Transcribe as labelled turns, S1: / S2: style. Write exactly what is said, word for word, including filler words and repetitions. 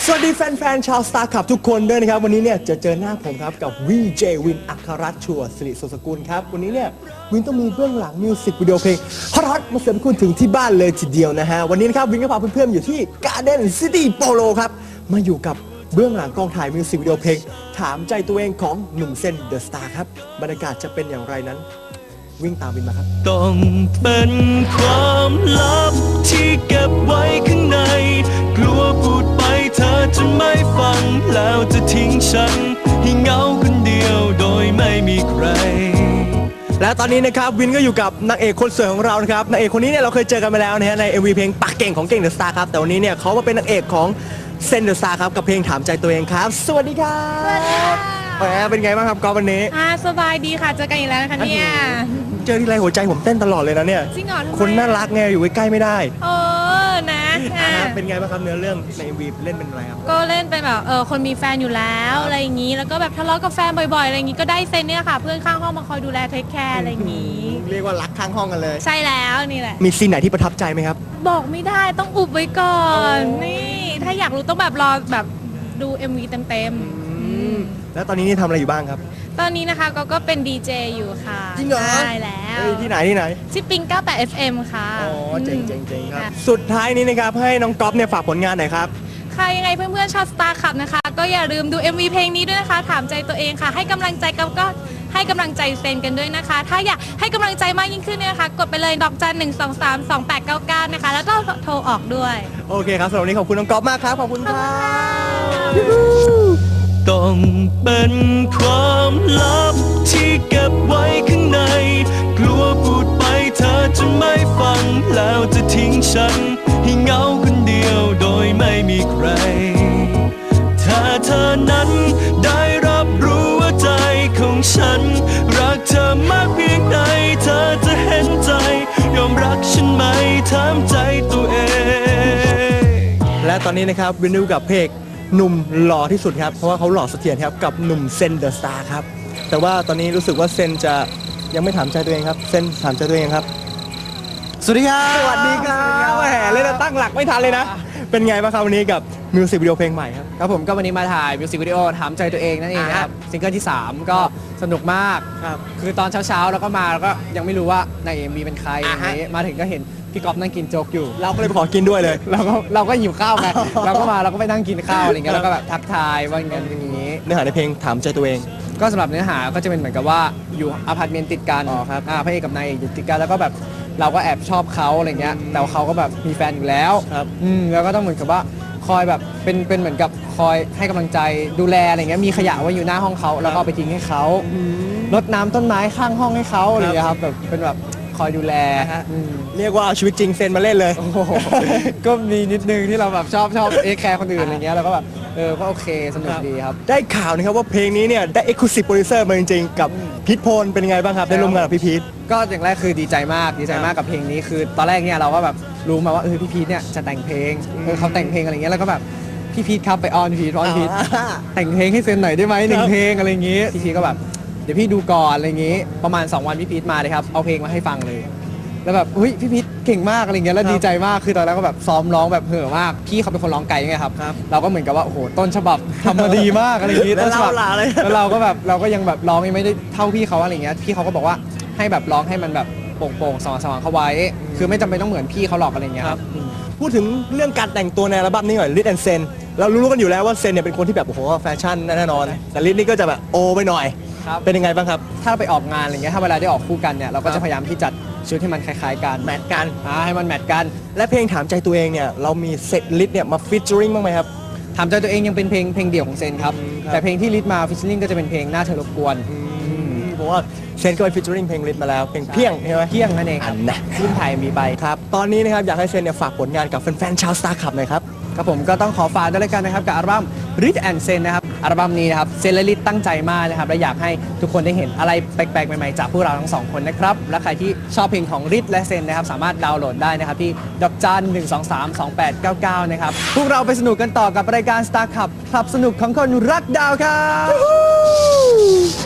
S1: สวัสดีแฟนๆชาว Star Club ทุกคนด้วยนะครับวันนี้เนี่ยจะเจอหน้าผมครับกับวีเจวินอัครรัตน์ชัวร์สิริสุสกุลครับวันนี้เนี่ยวินต้องมีเบื้องหลังมิวสิกวิดีโอเพลงฮอตๆมาเสิร์ฟคุณถึงที่บ้านเลยทีเดียวนะฮะวันนี้นะครับวินก็พาเพื่อนๆอยู่ที่ Garden City Polo ครับมาอยู่กับเบื้องหลังกองถ่ายมิวสิกวิดีโอเพลงถามใจตัวเองของหนุ่มเซนเดอะสตาร์ครับบรรยากาศจะเป็นอย่างไรนั้นวิ่งตามวินมาครับ
S2: ต้องเป็นความลับที่เก็บไว้ข้างในกลัวพูดไปเธอจะไม่ฟังแล้วจะทิ้งฉันให้เหงาคนเดียวโดยไม่มีใคร
S1: และตอนนี้นะครับวินก็อยู่กับนางเอกคนสวยของเรานะครับนางเอกคนนี้เนี่ยเราเคยเจอกันมาแล้วนะฮะใน เอ็ม วี เพลงปากเก่งของเก่งเดอะสตาร์ครับแต่วันนี้เนี่ยเขามาเป็นนางเอกของเซนเดอะสตาร์ครับกับเพลงถามใจตัวเองครับสวัสดีครับแหมเป็นไงบ้างครับกอล์ฟวันนี้
S3: อ่าสบายดีค่ะเจอกันอีกแล้วนะคะเนี่ย
S1: เจอที่ไรหัวใจผมเต้นตลอดเลยนะเนี่ย
S3: จริงเหรอ
S1: คนน่ารักไงอยู่ใกล้ๆไม่ได้
S3: เออนะ
S1: เป็นไงบ้างครับเนื้อเรื่องใน เอ็ม วี เล่นเป็นอะไรครับ
S3: ก็เล่นเป็นแบบเออคนมีแฟนอยู่แล้วอะไรอย่างนี้แล้วก็แบบทะเลาะกับแฟนบ่อยๆอะไรอย่างนี้ก็ได้เซนเนี่ยค่ะเพื่อนข้างห้องมาคอยดูแลเทคแคร์อะไรอย่างนี้
S1: เรียกว่ารักข้างห้องกันเลย
S3: ใช่แล้วนี่แหละ
S1: มีซีนไหนที่ประทับใจไหมครับ
S3: บอกไม่ได้ต้องอุบไว้ก่อนนี่ถ้าอยากรู้ต้องแบบรอแบบดู เอ็ม วี เต็มๆ
S1: แล้วตอนนี้นี่ทำอะไรอยู่บ้างครับ
S3: ตอนนี้นะคะก็ก็เป็นดีเจอยู่ค่ะ
S1: จริงเหรอ
S3: ใช่แล้ว
S1: ที่ไหนที่ไหน
S3: ที่ปิงเก้าสิบแปด เอฟ เอ็ม ค่ะ
S1: อ๋อเจ๋งเจ๋งเจ๋งครับสุดท้ายนี้นะครับให้น้องก๊อฟเนี่ยฝากผลงานหน่อยครับ
S3: ค่ะยังไงเพื่อนๆชาว Star Club นะคะก็อย่าลืมดู เอ็ม วี เพลงนี้ด้วยนะคะถามใจตัวเองค่ะให้กำลังใจกับก็ให้กำลังใจเซนกันด้วยนะคะถ้าอยากให้กำลังใจมากยิ่งขึ้นเนี่ยนะคะกดไปเลยดอกจันหนึ่งสองสามสองแปดเก้าเก้านะคะแล้วก็โทรออกด้วย
S1: โอเคครับสำหรับวันนี้ขอบคุณน้องก๊อฟมากครับขอบคุณครับ
S2: ต้องเป็นความลับที่เก็บไว้ข้างในกลัวพูดไปเธอจะไม่ฟังแล้วจะทิ้งฉันให้เหงาคนเดียวโดยไม่มีใครถ้าเธอนั้นได้รับรู้ว่าใจของฉันรักเธอมากเพียงใดเธอจะเห็นใจยอมรักฉันไหมถามใจตัวเอง
S1: และตอนนี้นะครับวินดูกับเพลงหนุ่มหล่อที่สุดครับเพราะว่าเขาหล่อเสถียรครับกับหนุ่มเซนเดอะสตาร์ครับแต่ว่าตอนนี้รู้สึกว่าเซนจะยังไม่ถามใจตัวเองครับเซนถามใจตัวเองครับสวัสดีครับสวัสดีครับแหมเล่นตั้งหลักไม่ทันเลยนะเป็นไงบ้างครับวันนี้กับมิวสิกวิดีโอเพลงใหม่ครับ
S4: ครับผมก็วันนี้มาถ่ายมิวสิกวิดีโอถามใจตัวเองนั่นเองนะครับซิงเกิลที่สามก็สนุกมาก
S1: ครับ
S4: คือตอนเช้าๆเราก็มาแล้วก็ยังไม่รู้ว่าใน เอ็ม วี เป็นใครอย่างนี้มาถึงก็เห็นพี่ก๊อฟนั่งกินโจ๊กอยู่
S1: เราก็เลยไปขอกินด้วยเลย
S4: เราก็เราก็หิวข้าวไงเราก็มาเราก็ไปนั่งกินข้าวอะไรเงี้ยแล้วก็แบบทักทายว่าอย่างนี้
S1: เนื้อหาในเพลงถามใจตัวเอง
S4: ก็สำหรับเนื้อหาก็จะเป็นเหมือนกับว่าอยู่อพาร์ตเมนต์ติดกัน
S1: อ๋อครับ
S4: อ่าพระเอกกับนายเอกอยู่ติดกันแล้วก็แบบเราก็แอบชอบเขาอะไรเงี้ยแต่เขาก็แบบมีแฟนอยู่แล้ว
S1: ครับ
S4: อืมแล้วก็ต้องเหมือนกับว่าคอยแบบเป็นเป็นเหมือนกับคอยให้กำลังใจดูแลอะไรเงี้ยมีขยะไว้อยู่หน้าห้องเขาแล้วก็เอาไปทิ้งให้เขารดน้ำต้นไม้ข้างห้องให้เขาอะไรเงี้ยครับแบบเป็นแบบคอยดูแล
S1: เรียกว่าเอาชีวิตจริงเซนมาเล่นเลย
S4: ก็มีนิดนึงที่เราแบบชอบชอบเอ็กแคร์คนอื่นอะไรเงี้ยแล้วก็แบบเออก็โอเคสนุกดีครับ
S1: ได้ข่าวนะครับว่าเพลงนี้เนี่ยได้ Exclusive Producer มาจริงๆกับพีทโพลเป็นยังไงบ้างครับได้ร่วมงานกับพี่พีท
S4: ก็อย่างแรกคือดีใจมากดีใจมากกับเพลงนี้คือตอนแรกเนี่ยเราก็แบบรู้มาว่าเออพี่พีทเนี่ยจะแต่งเพลงเออเขาแต่งเพลงอะไรเงี้ยแล้วก็แบบพี่พีทครับไปออนพี่พีทออนพีทแต่งเพลงให้เซนหน่อยได้ไหมหนึ่งเพลงอะไรเงี้ยพี่พีทก็แบบเดี๋ยวพี่ดูก่อนอะไรเงี้ยประมาณสองวันพี่พีทมาเลยครับเอาเพลงมาให้ฟังเลยแล้วแบบเฮ้ยพี่พีทเก่งมากอะไรเงี้ยแล้วดีใจมากคือตอนแรกก็แบบซ้อมร้องแบบเห่อมากพี่เขาเป็นคนร้องไกลไงครับเราก็เหมือนกับว่าโอ้โหต้นฉบับทำมาดีมากอะไรอย่างงี้ต้นฉบับแล้วเราก็แบบเราก็ยังแบบร้องยังไม่ได้เท่าพี่เขาอะไรเงี้ยพี่เขาก็บอกว่าให้แบบร้องให้มันแบบโปร่งๆสว่างๆเข้าไว้คือไม่จำเป็นต้องเหมือนพี่เขาหรอกอะไรเงี้ยครับ
S1: พูดถึงเรื่องการแต่งตัวในอัลบั้มนี้หน่อยลิทแอนด์เซนเรารู้กันอยู่แล้วว่าเซนเนี่ยเป็นคนที่แบบโอ้โหแฟชั่นแน่นอนแต่ลิทนี่ก็จะแบบโอไปหน่อยเป็นยังไงบ้างครับ
S4: ถ้าไปออกงานอะไรเงี้ยถ้าเวลาได้ออกคู่กันเนี่ยเราก็จะพยายามที่จัดชุดที่มันคล้ายๆกัน
S1: แมทกัน
S4: อ่าให้มันแมทกัน
S1: และเพลงถามใจตัวเองเนี่ยเรามีเซตลิสต์เนี่ยมาฟีเจอริงบ้างไหมครับ
S4: ถามใจตัวเองยังเป็นเพลงเพลงเดี่ยวของเซนครับแต่เพลงที่ลิสต์มาฟีเจอริงก็จะเป็นเพลงหน้าเธอรบกวน
S1: เพราะว่าเซนก็ไปฟีเจอริงเพลงลิสต์มาแล้วเพลงเพี้ยงใช่ไหม
S4: เพี้ยงนั่นเอง
S1: อันนะ
S4: รุ่นไทยมีไป
S1: ครับตอนนี้นะครับอยากให้เซนเนี่ยฝากผลงานกับแฟนๆชาว Star Club หน่อยครับ
S4: ครับผมก็ต้องขอฝากด้วยกันนะครับกับอัลบั้ม Rit and Sen นะครับอัลบั้มนี้นะครับเซนและลิทตั้งใจมากนะครับและอยากให้ทุกคนได้เห็นอะไรแปลกๆใหม่ๆจากพวกเราทั้งสองคนนะครับและใครที่ชอบเพลงของริทและเซนนะครับสามารถดาวน์โหลดได้นะครับที่ดอกจันหนึ่งสองสามสองแปดเก้าเก้านะครับพวกเราไปสนุกกันต่อกับรายการ Star Club คลับสนุกของคนรักดาวครับ